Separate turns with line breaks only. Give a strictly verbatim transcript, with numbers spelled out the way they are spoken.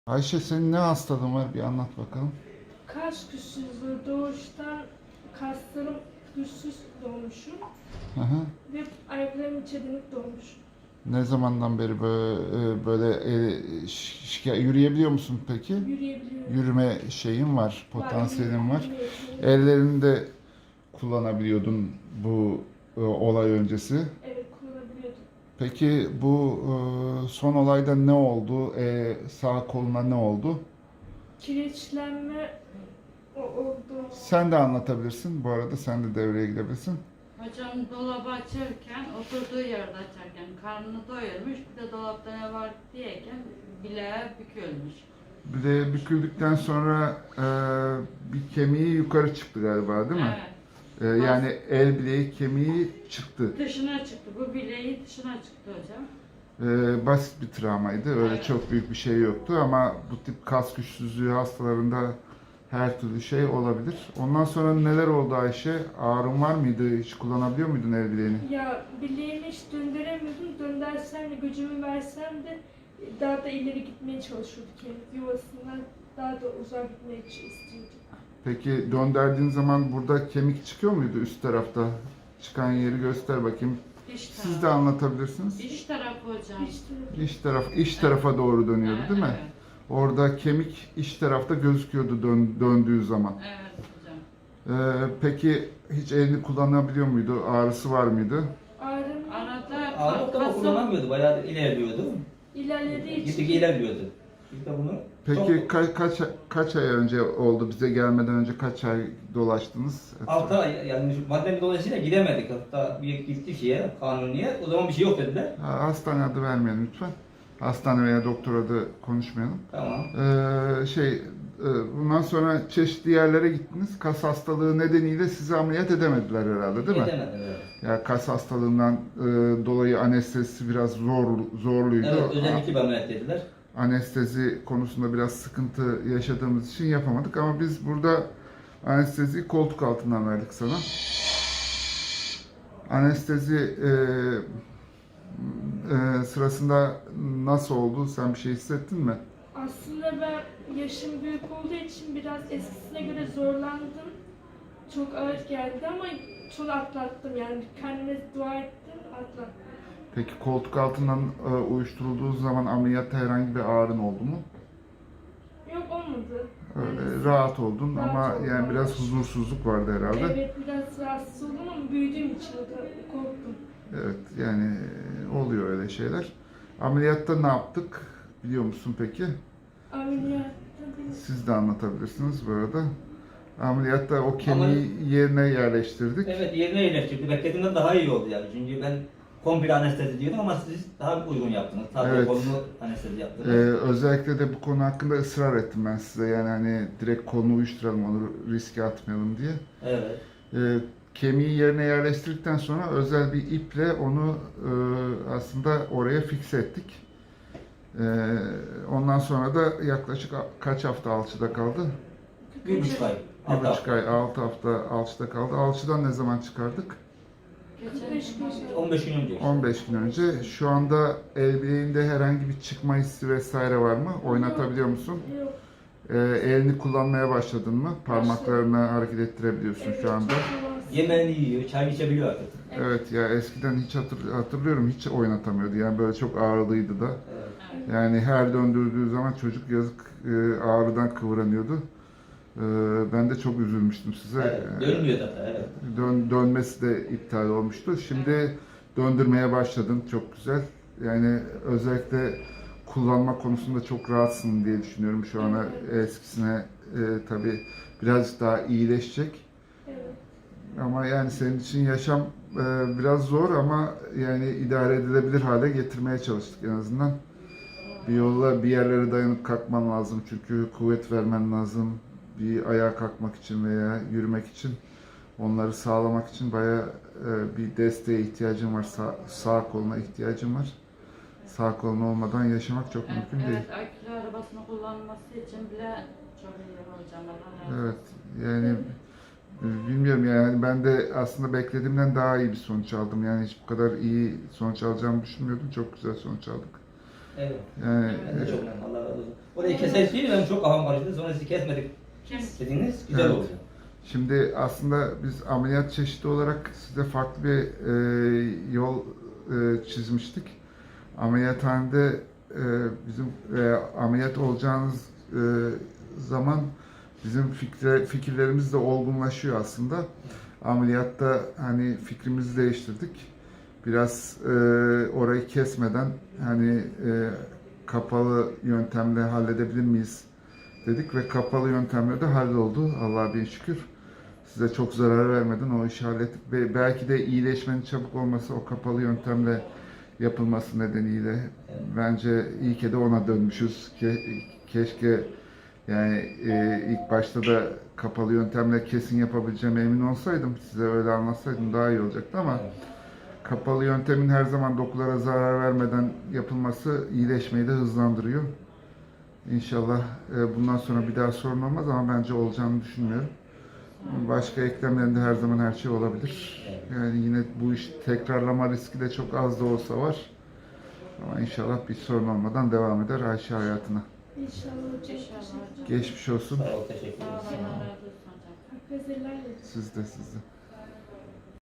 Ayşe, senin ne hastalığın var, bir anlat bakalım.
Kas güçsüzlüğü doğuştan kaslarım güçsüz doğmuşum
Hı hı.
ve ayaklarım içe dönük doğmuş.
Ne zamandan beri böyle, böyle e, şi- şikayet yürüyebiliyor musun peki?
Yürüyebiliyorum.
Yürüme şeyin var,
Var,
potansiyelin var.
yürüme yeteneğim.
Ellerini de kullanabiliyordun bu e, olay öncesi.
Evet, kullanabiliyordum.
Peki bu e, son olayda ne oldu? E, sağ koluna ne oldu?
Kireçlenme o- oldu.
Sen de anlatabilirsin. Bu arada sen de devreye girebilirsin.
Hocam dolabı açarken, oturduğu yerde açarken karnını doyurmuş, bir de dolapta ne var diyeken bileğe bükülmüş.
Bir de büküldükten sonra e, bir kemiği yukarı çıktı galiba, değil mi?
Evet.
E, yani el bileği kemiği çıktı.
Dışına çıktı. Bu bileği dışına çıktı hocam.
E, basit bir travmaydı. Öyle
Evet.
çok büyük bir şey yoktu ama bu tip kas güçsüzlüğü hastalarında her türlü şey olabilir. Ondan sonra neler oldu Ayşe? Ağrın var mıydı? Hiç kullanabiliyor muydun el bileğini?
Ya bileğimi hiç döndüremiyordum. Döndersem de gücümü versem de daha da ileri gitmeye çalışıyorduk. Yani yuvasından daha da uzağa gitmeye istiyordum.
Peki döndürdüğün zaman burada kemik çıkıyor muydu üst tarafta? Çıkan yeri göster bakayım.
İç tarafı.
Siz de anlatabilirsiniz.
İç tarafı hocam.
İşte
İç taraf, iç tarafa doğru dönüyordu
Evet,
değil mi?
Evet.
Orada kemik iç tarafta gözüküyordu dön, döndüğü zaman.
Evet hocam.
Ee, peki hiç elini kullanabiliyor muydu? Ağrısı var mıydı?
ağrım
Arada
Ağırlık ama
kasım
kullanamıyordu. Bayağı ilerliyordu.
ilerlediği için
Gittikçe ilerliyordu. Biz de bunu
Peki
çok
ka- kaç kaç ay önce oldu? Bize gelmeden önce kaç ay dolaştınız?
altı ay yani şu pandemi dolayısıyla gidemedik. Hatta bir gittik şeye, kanuniye. O zaman bir şey yok dediler.
Ha, hastane adı vermeyelim lütfen. Hastane veya doktor adı konuşmayalım.
Tamam.
Ee, şey, e, bundan sonra çeşitli yerlere gittiniz. Kas hastalığı nedeniyle sizi ameliyat edemediler herhalde, değil mi?
Gidemediler, evet.
Ya kas hastalığından e, dolayı anestezisi biraz zor zorluydu.
Evet, özellikle bir ameliyat dediler.
Anestezi konusunda biraz sıkıntı yaşadığımız için yapamadık ama biz burada anesteziyi koltuk altından verdik sana. Anestezi e, e, sırasında nasıl oldu? Sen bir şey hissettin mi?
aslında ben yaşım büyük olduğu için biraz eskisine göre zorlandım. Çok ağır geldi ama çok atlattım yani kendime dua ettim atlattım.
Peki koltuk altından e, uyuşturulduğu zaman ameliyatta herhangi bir ağrın oldu mu?
Yok olmadı.
Öyle
Yani
rahat oldun
rahat
ama
oldum,
yani biraz
evet.
huzursuzluk vardı herhalde.
Evet biraz rahatsız oldum ama büyüdüğüm için de korktum.
Evet, yani oluyor öyle şeyler. Ameliyatta ne yaptık biliyor musun peki?
Ameliyatta bir
Siz de anlatabilirsiniz bu arada. Ameliyatta o kemiği yerine yerleştirdik.
Evet, yerine yerleştirdi. Beklediğimden daha iyi oldu yani. Çünkü ben komple anestezi diyordum ama siz daha uygun yaptınız. Sadece
Evet.
kolunu anestezi
Ee,
yaptınız.
özellikle de bu konu hakkında ısrar ettim ben size. Yani hani direkt kolunu uyuşturalım, onu riske atmayalım diye.
Evet.
Ee, kemiği yerine yerleştirdikten sonra özel bir iple onu e, aslında oraya fikse ettik. Ee, ondan sonra da yaklaşık a- kaç hafta alçıda kaldı?
Bir buçuk ay.
Bir
Altı
buçuk
hafta.
ay, altı hafta alçıda kaldı. Alçıdan ne zaman çıkardık?
kırk beş gün sonra.
on beş gün önce.
on beş gün önce. Şu anda el bileğinde herhangi bir çıkma hissi vesaire var mı? Oynatabiliyor musun?
Yok.
Ee, elini kullanmaya başladın mı? Parmaklarını hareket ettirebiliyorsun
Evet,
şu anda.
çok rahatsız.
Yemeğini yiyor, çay içebiliyor artık.
Evet ya, eskiden hiç hatır- hatırlıyorum, hiç oynatamıyordu. Yani böyle çok ağrılıydı da.
Evet.
Yani her döndürdüğü zaman çocuk yazık e, ağrıdan kıvranıyordu. E, ben de çok üzülmüştüm size.
Evet, dönmüyor zaten, evet.
Dön, dönmesi de iptal olmuştu. Şimdi döndürmeye başladın, çok güzel. Yani özellikle kullanma konusunda çok rahatsın diye düşünüyorum şu ana. Eskisine e, tabii birazcık daha iyileşecek.
Evet.
Ama yani senin için yaşam e, biraz zor ama yani idare edilebilir hale getirmeye çalıştık en azından. Bir yolla bir yerlere dayanıp kalkman lazım çünkü kuvvet vermen lazım. Bir ayağa kalkmak için veya yürümek için, onları sağlamak için bayağı e, bir desteğe ihtiyacın var. Sağ, sağ koluna ihtiyacın var. Sağ kolun olmadan yaşamak çok
Evet,
mümkün değil.
evet, akülü arabasını kullanması için bile çok iyi hocam. Allah razı
Evet,
olsun.
yani e, bilmiyorum yani ben de aslında beklediğimden daha iyi bir sonuç aldım. Yani hiç bu kadar iyi sonuç alacağımı düşünmüyordum. Çok güzel sonuç aldık.
Evet.
Yani
Ben de
e,
çok memnunum. Allah razı olsun. Orayı keseriz değil mi? Ben çok kafam karıştı. Sonra sizi kesmedik
Kes.
dediniz. Güzel
Evet.
oldu.
şimdi aslında biz ameliyat çeşidi olarak size farklı bir e, yol e, çizmiştik. Ameliyathanede e, bizim e, ameliyat olacağınız e, zaman bizim fikre, fikirlerimiz de olgunlaşıyor aslında. Ameliyatta hani fikrimizi değiştirdik. Biraz e, orayı kesmeden hani e, kapalı yöntemle halledebilir miyiz dedik ve kapalı yöntemle de halloldu. Allah'a bin şükür. Size çok zarar vermeden o işi hallettik. Ve belki de iyileşmenin çabuk olması o kapalı yöntemle yapılması nedeniyle bence iyi ki de ona dönmüşüz. Ke, keşke yani e, ilk başta da kapalı yöntemle kesin yapabileceğime emin olsaydım, size öyle anlatsaydım daha iyi olacaktı ama kapalı yöntemin her zaman dokulara zarar vermeden yapılması iyileşmeyi de hızlandırıyor. İnşallah e, bundan sonra bir daha sorun olmaz ama bence olacağını düşünmüyorum. Başka eklemlerinde her zaman her şey olabilir. Yani yine bu iş tekrarlama riski de çok az da olsa var. Ama inşallah bir sorun olmadan devam eder Ayşe hayatına.
İnşallah hocam.
İnşallah
Teşekkür ederim.
Geçmiş olsun.
Sağ ol, teşekkür
Sağ
ederim.
olun, Allah razı olsun hocam.
Hakkınızı helal edin.
Siz de siz de.